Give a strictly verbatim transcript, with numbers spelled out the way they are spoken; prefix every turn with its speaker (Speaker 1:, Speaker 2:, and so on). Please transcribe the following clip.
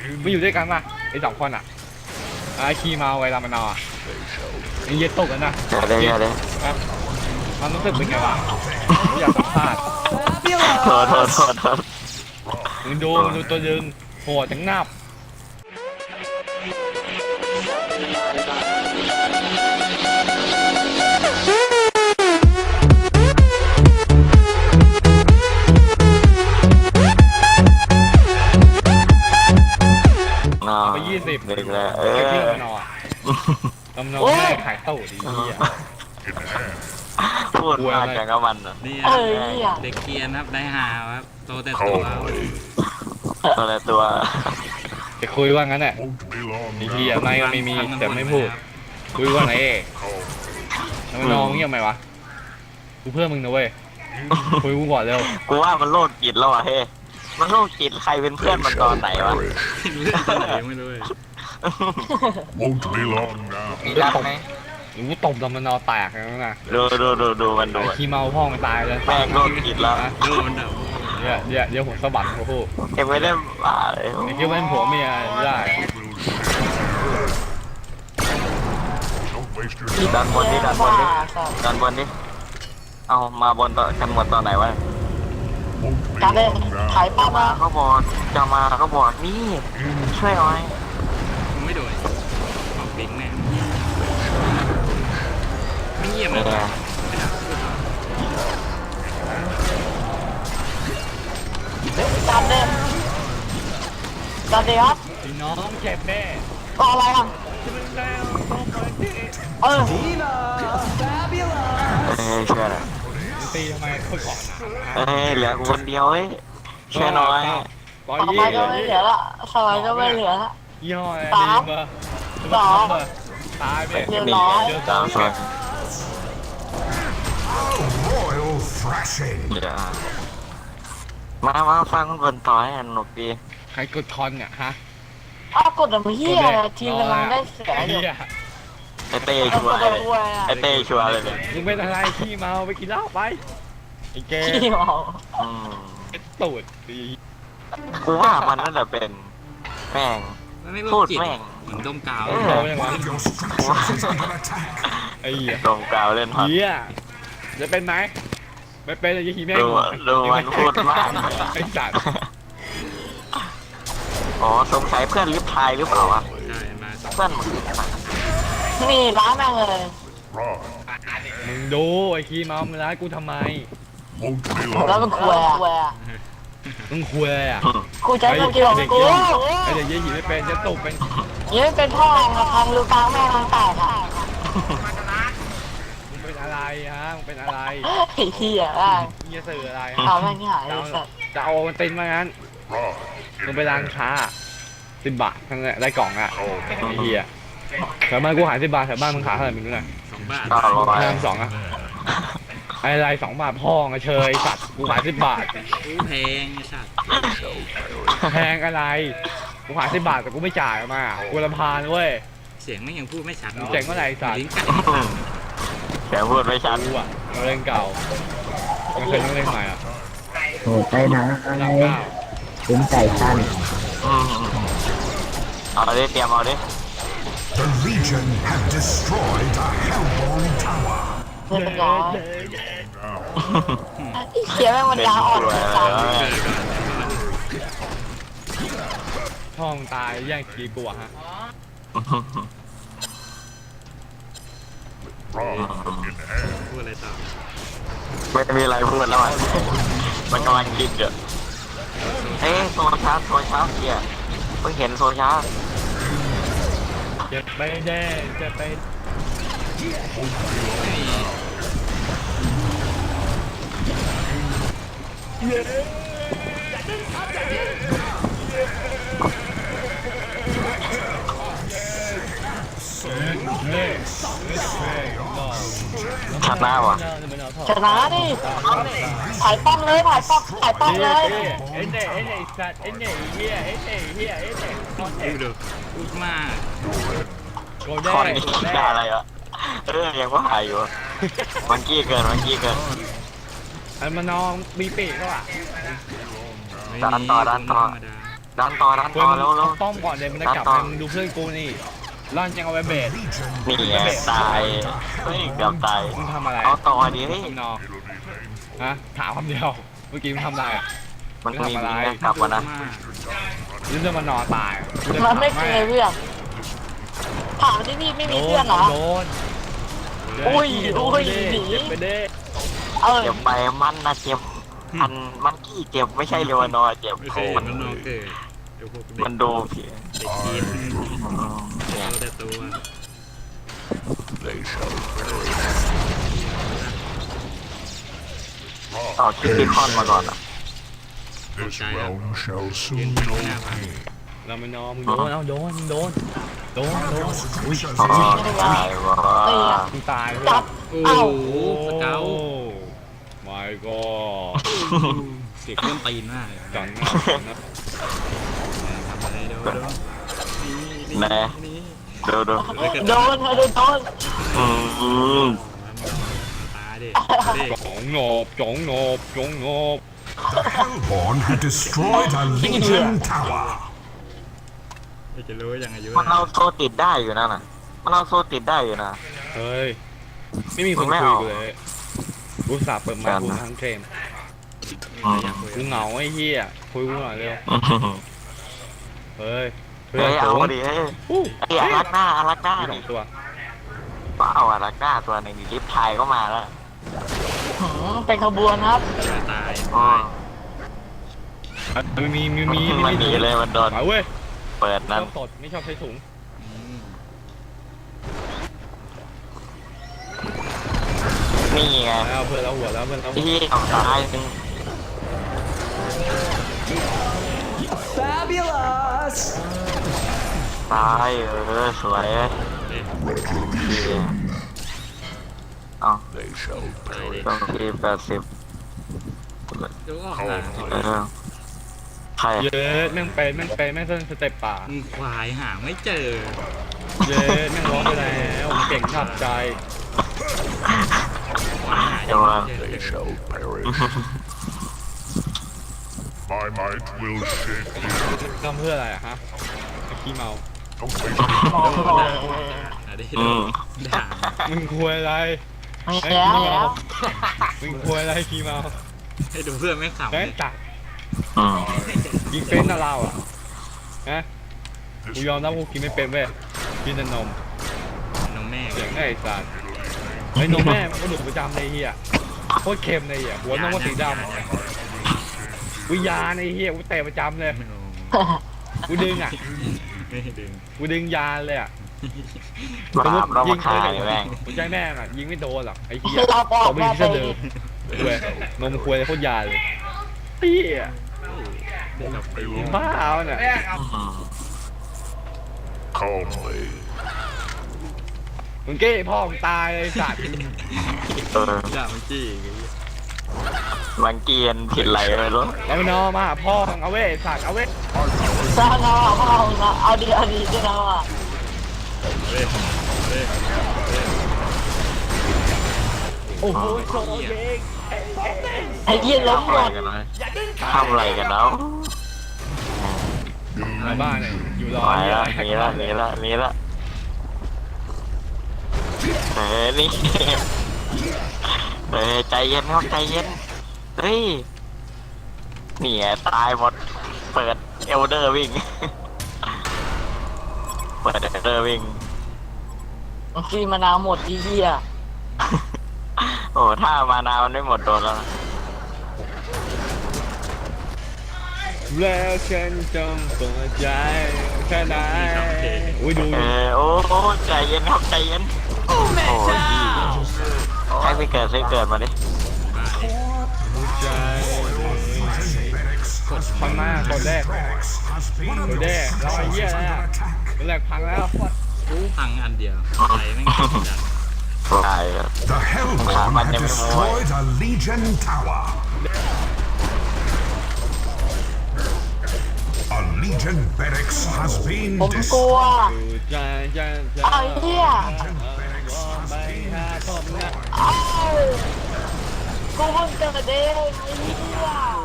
Speaker 1: ไม่อยู่ด้วยกันป่ะไอ้สองคนอ่ะไอ้คีมาไว้รามานออ่ะไอ้เย็ดตกกันนะ
Speaker 2: อย่าเลยอย่าเลย
Speaker 1: ครับมันรู้สึกเป็นไงวะอยากสัมภาษณ์
Speaker 2: โทษโทษโทษโทษ
Speaker 1: มึงดูมึงดูตัวยึงโหดจังนับ
Speaker 2: นอ
Speaker 1: ไปยี่สิบ
Speaker 2: เด็กแล้วเอ
Speaker 1: ไอ้
Speaker 2: อ
Speaker 1: ที่รามานอรามานอแม่ขายเต้าดีเหี้ย
Speaker 2: พูดมากจังกับมันอ่ะ
Speaker 3: นี่
Speaker 4: เอ
Speaker 3: ครับ
Speaker 4: อเหี้ย
Speaker 3: เด็กเกรียนครับได้หาครับโตแต่ตัวครับ
Speaker 2: ตัวละตัว
Speaker 1: จะคุยว่างั้นแหละไอ้เหี้ยไม่ก็ไม่มีแต่ไม่พูดคุยว่าไงเอ๊ะรามานอเงียบไหมวะกูเพื่อนมึงนะเว้ยคุยกูก่อนเร็ว
Speaker 2: กูว่ามันโรคจิตแล้วอ่ะเฮ้มันโรคจิตใครเป็นเพื่อนมันตอนไหนวะ
Speaker 3: เรื่องอะไรไม่รู้เลย
Speaker 5: Won't be long now.
Speaker 2: มีรักไหม
Speaker 1: หรือกูตบรามานอแตกแล้วนะ
Speaker 2: ดูดูดูดูมันดู
Speaker 1: ไอ้ขี้เมาพ่อมันตายเลย
Speaker 2: แม่งโรคจิตแล้ว
Speaker 3: โดนดับ
Speaker 1: เดี๋ยวเดี๋ยวเดี๋ยวผมสะบัดเขาพูด
Speaker 2: เก็บไว้ได้บ้าเลย
Speaker 1: ไอ้เกี่ยวเป็นผัวเมียได้
Speaker 5: Don't waste your
Speaker 2: ดันบนนี่ดันบนนี่ดันบนนี่เอามาบนต่อกันหมดตอนไหนวะ
Speaker 5: won't be
Speaker 4: การเล่น
Speaker 5: long
Speaker 4: ถ่าย
Speaker 5: now.
Speaker 4: ป้ามา
Speaker 2: เขาบอกจะมาเขาบอกนี่ช่วยหน่อย
Speaker 3: มึงไม่โดนออกปิ๊งแน่ไม่เงียบเล
Speaker 2: เนี่ย ย
Speaker 4: การเล่นการเล่นครับ
Speaker 1: พี่น้องเจ็บแน่
Speaker 4: ก็อะไรอ่ะเออ
Speaker 2: เอ้ยช่วยหน่อย
Speaker 1: ตีทำไมค่อยก่อนนะ
Speaker 2: เอ้ยเหลือกูคนเดียวเอ้ยช่วยหน่อย
Speaker 1: ร้อย
Speaker 4: ต่อ
Speaker 1: ยี่
Speaker 4: ไปก็ไม่เหลือละสมัยก็ไม่เหลือละ
Speaker 1: ยี่ห้ออะไร
Speaker 4: สาม
Speaker 1: ดีเบอร์
Speaker 4: สอง
Speaker 1: เบอร์ตายไป
Speaker 4: เรียบร้อย
Speaker 1: เดี๋ยว
Speaker 2: ตามส่วน
Speaker 5: Royal thrashing.
Speaker 2: เดี๋ยวมามาฟังคนบนต่อให้สนุกดี
Speaker 1: ใครกดคอนเนี่ยฮะ
Speaker 4: อ้าวกดอะไรเฮียทีมกำลังได้เสียอยู่
Speaker 1: เหี้ย
Speaker 2: ไอเต้ชัวร์เลยไอเต้ชัวร์เลยเนี่ย
Speaker 1: มึงเป็นอะไรขี้เมาไปกินเหล้าไปไอ้แก
Speaker 4: ขี้เมา
Speaker 2: อืม
Speaker 1: ไอ้ตูดดี
Speaker 2: กูว่ามันนั่นแหละเป็นแม่ง
Speaker 3: มันไม่
Speaker 2: พู
Speaker 3: รู้
Speaker 2: ด
Speaker 3: จิต
Speaker 2: แม่ง
Speaker 3: เหมือนดมกาว
Speaker 2: เออ
Speaker 1: โตยังไง
Speaker 5: One of your structures is under attack.
Speaker 1: ไอ้เหี้ย
Speaker 2: ตรงกล่าวเล่นฮอต
Speaker 1: เหี้ยจะเป็นไหมไม่เป็นเลยยี่ขี้แม่ง
Speaker 2: ดูดูมันพูดมาก
Speaker 1: ไอ้สัตว์
Speaker 2: อ๋อสงสัยเพื่อนลิฟทายหรือเปล่าวะ
Speaker 3: ใช่มาสอง
Speaker 2: เพื่อนมึง
Speaker 4: นี่ร้านแม่งเลย
Speaker 5: Run.
Speaker 1: มึงดูไอ้ขี้เมามึงร้ายกูทำไม
Speaker 5: Won't be
Speaker 4: แล้ว
Speaker 5: long.
Speaker 4: มันคุยอ่ะ
Speaker 1: มึงคุยอะไรอ่ะ
Speaker 4: กูใช้ตัวเดียว
Speaker 1: เด็ก
Speaker 4: กู
Speaker 1: เยี่ยไอเด็กเยี่ยหิไม่เป็นจะตกเป็น
Speaker 4: นี่เป็นพ่อมาทำรูกลางแม่ทางแตกอ่ะ
Speaker 1: มึงเป็นอะไรฮะมึงเป็นอะไร
Speaker 4: ไอ้เหี้ยอ่ะ
Speaker 1: มึงจะสื่ออะไร
Speaker 4: เอา
Speaker 1: ฮะ
Speaker 4: แม่งหาย
Speaker 1: จะ
Speaker 4: เล
Speaker 1: เอา
Speaker 4: ยสัตว์
Speaker 1: จะเอามันตินมางั้น
Speaker 5: Run.
Speaker 1: มึงไปร้านค้าสิบบาททั้งนั้นได้กล่องอ่ะ
Speaker 5: Oh,
Speaker 1: ไอ้เหี้ยแถวบ้านกูขายสิบบาทแถวบ้านมึงขายเท่าไหร่มึงรู้หน่อย
Speaker 3: สองบาท
Speaker 2: เก้าร้อย
Speaker 1: ห้ามสองอ่ะไอ้ไรสองบาทพ่องอะเชยสัตว์กูขายสิบบาท
Speaker 3: อู้แพงไอ้สัตว์
Speaker 1: แพงอะไรกูขายสิบบาทแต่กูไม่จ่ายมากูรำพานเว้ย
Speaker 3: เสียงไม่ยังพูดไม่ชัด
Speaker 1: มึงเจ๋งเมื่อไหร่สัตว์
Speaker 3: ลิ้นไก่
Speaker 2: แกพูดไม่ชัด
Speaker 1: กูอ่ะนักเล่นเก่าไม่เคยนักเล่นใหม่อ่ะ
Speaker 6: โหใจนะอะไร
Speaker 1: สามเก้า
Speaker 6: ถึงใจสั้น
Speaker 2: อืมเอาดิเตรียมเอาดิ
Speaker 5: the Legion have destroyed a Hellborn tower.
Speaker 4: เรียบร้อย
Speaker 5: Now,
Speaker 4: ไอ้เหี้ยแม่งมันยาอ่อนสัตว์
Speaker 3: เกิดก่อน
Speaker 1: ช่องตายแย่งกีกูอะฮะ
Speaker 5: run in hand.
Speaker 3: พูดอะไรต่อ
Speaker 2: ไม่มีอะไรพูดแล้วมันมันกำลังคิดอยู่เอ้ยโซชาร์จโซชาร์จเกียร์เพิ่งเห็นโซชาร์จ
Speaker 1: จะไปแน่จะไป
Speaker 2: ชนะวะ
Speaker 4: ชนะดิถ่ายป้อมเลยถ่ายป้อมถ่ายป้อมเลย
Speaker 1: เอ็นเน่เอ็นเน่สัตว์เอ็นเน่เฮียเอ็นเน่เฮียเอ็นเน่คอนเท
Speaker 3: พูดดูพูดมาก
Speaker 1: โกลเด้
Speaker 2: คอนนี้
Speaker 1: โกล
Speaker 2: คิด
Speaker 1: เด้
Speaker 2: ได้อะไรวะเรื่องยังว่าหายอยู่มันกี้เกินมันกี้เกิน
Speaker 1: อันมานองมีปีกก็อ่ะ
Speaker 3: ไม่
Speaker 2: ด้าน
Speaker 3: มี
Speaker 2: ต่อด้านต่อ
Speaker 3: ธรรมดา
Speaker 2: ดันต่อดัน
Speaker 1: คุย
Speaker 2: ต่อ
Speaker 1: มึง
Speaker 2: แล้วแล้ว
Speaker 1: ป้อมก่อนเดี๋ยวมันจะกลับ
Speaker 2: ต่อ
Speaker 1: ไปมึงดูเพื่อนกูนี่ร่อนยังเอาไว้เบส
Speaker 2: นี่ไงตายเฮ้ยเกือบตาย
Speaker 1: มึงทำอะไร
Speaker 2: เอาต่อดิเฮ้ย
Speaker 1: ทำนองฮะถามคำเดียวเมื่อกี้มึงทำอะไรอ่ะ
Speaker 2: มันมี
Speaker 1: ทำอะไร
Speaker 2: มีกลับมานะ
Speaker 3: มาก
Speaker 1: ยืนจะมานอนตาย
Speaker 4: มันไม่เคยเพื่อนถามที่นี่ไม่มีเพื่อนเหรอ
Speaker 1: โดน
Speaker 4: อุ้ยอุ้ย
Speaker 1: หนีไปเด้
Speaker 4: เออ
Speaker 2: เจ็บไปมันนะเจ็บมันมันขี้เจ็บไม่ใช่เลวานอร์เจ็บ
Speaker 3: ไม่เค
Speaker 2: โอ้
Speaker 3: ยเห็
Speaker 2: มัน น
Speaker 3: มันนอนเกิดเดี๋ยวพวกเด็ก
Speaker 2: มันดูผิด
Speaker 3: เด็กกิน
Speaker 2: เนี่ย
Speaker 3: เอาแต่ตัว
Speaker 2: ต่อคิดที่คอนมาก่อนอ่ะ
Speaker 5: This realm shall
Speaker 3: ยืน
Speaker 5: soon
Speaker 3: เป็น
Speaker 5: know
Speaker 3: หน้าพัง
Speaker 5: me.
Speaker 1: เราไม่นอนมึงโดนเอาโดนมึงโดนโดนโดนอุ้ย
Speaker 2: อ๋อตายวะ
Speaker 1: มึงตายเลย
Speaker 4: จับ
Speaker 3: โอ้
Speaker 4: เอ้า
Speaker 3: โหสเกล
Speaker 1: ไม่ก็
Speaker 3: เสียงเครื่องตีนมากเลย
Speaker 1: จังนะจังนะ
Speaker 3: ทำอะไรโดนโดนนี่
Speaker 2: แน่
Speaker 3: นี่
Speaker 2: ดูดู
Speaker 4: โดนโดนโดน
Speaker 2: อืม
Speaker 3: ตาดิดิ
Speaker 1: จงโงบจงโงบจงโงบ
Speaker 5: Hellborn had destroyed a Legion tower.
Speaker 3: จะรู้ยังอายุ
Speaker 2: มันเอาโซติดได้อยู่นะน่ะมันเอาโซติดได้อยู่นะ
Speaker 1: เฮ้ยไม่มีคน
Speaker 2: ไม่
Speaker 1: คุย
Speaker 2: เอา
Speaker 1: กูเลยกูสาห์เปิดไมค์กูทั้งเกม
Speaker 2: อืม
Speaker 1: กูเหงาไอ้เหี้ยคุยกูหน่อยเร็วเฮ้ยเพื่อ
Speaker 2: เฮ้
Speaker 1: น
Speaker 2: ยเอา
Speaker 1: ผม
Speaker 2: ดิเฮ้ย
Speaker 1: อู้
Speaker 2: ไอ้อารักหน้าอารักหน้า
Speaker 1: มีสอ
Speaker 2: นี่
Speaker 1: งตัว
Speaker 2: ก็เอาอารักหน้าตัวหนึ่งลิฟต์ไทยก็มาแล้ว
Speaker 4: หืมเป็นขบวนครับ
Speaker 3: ตาย
Speaker 2: อ๋อ
Speaker 1: มีมีมีมี
Speaker 2: มันหนีเลยมันโดน
Speaker 1: ไปเว้ย
Speaker 2: เปิด
Speaker 1: ช
Speaker 2: นั้น
Speaker 1: อบสดไม่ชอบใช้ถุง
Speaker 2: นี่ไง
Speaker 1: แล้วเพื่อนเราหัวแล้วเพื่อนเรา
Speaker 2: ที่เอาตายหนึ่งตายเออสวยดีเอา
Speaker 5: They shall
Speaker 3: ตายดิ
Speaker 2: ต้องที่แปดสิบ
Speaker 3: ดูออกหลัง
Speaker 2: เออใคร
Speaker 1: เย้แม่งเป็นแม่งเป็นแม่งเส้นสเต็ปป่า
Speaker 3: มึงควายหาไม่เจอ
Speaker 1: เย้แม่งร้องไปแล้วเก่งขับใจ
Speaker 3: ควายหา
Speaker 2: เดี๋ยวว่า
Speaker 3: ไม่เจอ
Speaker 5: they shall perish. My might will shake the
Speaker 1: ทำเพื่ออะไรอะฮะไอ้ขี้เมา
Speaker 5: Don't wait.
Speaker 3: อ่ะดิ
Speaker 2: อืม
Speaker 3: ด่า
Speaker 1: มึงคุยอะไร
Speaker 4: ไม่
Speaker 1: ไอ้
Speaker 4: แล้ว
Speaker 1: ขี้
Speaker 4: แล้
Speaker 1: เมาว มึงคุยอะไรขี้เมา
Speaker 3: ให้ดูเพื่อนไม่ขำ
Speaker 1: แม่
Speaker 3: เล
Speaker 1: ง
Speaker 3: ย
Speaker 1: จัด
Speaker 2: อืม
Speaker 1: ยิงเป็นนะเราอ่ะฮะกูยอมรับกูกินไม่เป็นเว้ยกินแต่นม
Speaker 3: น้องแม่
Speaker 1: เสียงไอ้สัตว์ไอ้นมแม่มันก็ดุประจำในเฮียโคตรเค็มในเฮียหัวนมก็สีดำวิญญาณในเฮียกูเตะประจำเลยกูดึงอ่ะ
Speaker 3: ไม่ดึง
Speaker 1: กูดึงยาเลยอ่ะ
Speaker 2: บาปเรามาขายแม่ง
Speaker 1: หัวใจแม่งอ่ะยิงไม่โดนหรอกไอ้เฮีย
Speaker 4: เราบอก
Speaker 1: ต่อไป
Speaker 4: ว่า
Speaker 1: ที่
Speaker 4: ไป
Speaker 1: จะเดินเว้ยนมควยโคตรยาเลยเฮีย
Speaker 3: เด็กกับปี
Speaker 1: บ้าเอาเนี่ย
Speaker 2: อืม
Speaker 5: Calmly.
Speaker 1: มึงเก้พ่อมึงตายเลยสัตว์
Speaker 2: เออ
Speaker 3: ด่ามันจี้
Speaker 2: บางเกียนผิดไหลไปรู้
Speaker 1: แล้วมันนอมาหาพ่อมึงเอาเว้ยสัตว์เอาเว้ย
Speaker 4: สร้างเอาเอาเอาเอาดีเอาดีด้วยนะว่ะ
Speaker 3: เฮ้ยเฮ้ย
Speaker 1: โอ้โหโชว์เย้ง
Speaker 4: ไอ้เหี้ยล้ม
Speaker 2: ทำ
Speaker 4: หม
Speaker 2: อะไร
Speaker 4: ด
Speaker 2: กันนะทำอะไรกันแล้ว
Speaker 1: ในบ้านเนี่ยอยู่รอ
Speaker 2: ไป
Speaker 1: เหี้ย
Speaker 2: ละหนีละหนีละหนีละเฮ้ยนี่เฮ้ยใจเย็นครับใจเย็นเฮ้ยนี่ไงตายหมดเปิดเอลเดอร์วิ่งเปิดเอลเดอร์วิ่ง
Speaker 4: กีมานาวหมดไอ้เหี้ย
Speaker 2: โอ้ถ้ามานามันไม่หมดโดนแล้วนะ
Speaker 1: แล้วฉันจงเปิดใจแค่ไหนอุ้ยดู
Speaker 2: เออโอ้โอ้ใจเย็นครับใจเย็นโอ้แม่เจ้าใครไปเกิดใครเกิดมาดิ
Speaker 1: ดูใจ
Speaker 5: Barracks has
Speaker 1: พัง
Speaker 5: been
Speaker 1: มากกดแรก
Speaker 5: barracks has been
Speaker 1: กดแรกเราไอ้เหี้ย
Speaker 5: under
Speaker 1: แล้ว
Speaker 5: attack.
Speaker 1: กดแรกพังแล้ว
Speaker 3: รู้พังอันเดียวอะไรไม่งจัด
Speaker 2: ตายแล้ว
Speaker 5: The Hellborn had destroyed a Legion tower. A Legion barracks has been
Speaker 4: ผมกลัว
Speaker 5: destroyed.
Speaker 1: ดูใจใจใจ
Speaker 4: ไอ้เหี้ย
Speaker 1: ไปหาผมนะ
Speaker 4: เอ้ากูเพิ่งเจอเด้งไอ้เหี้ย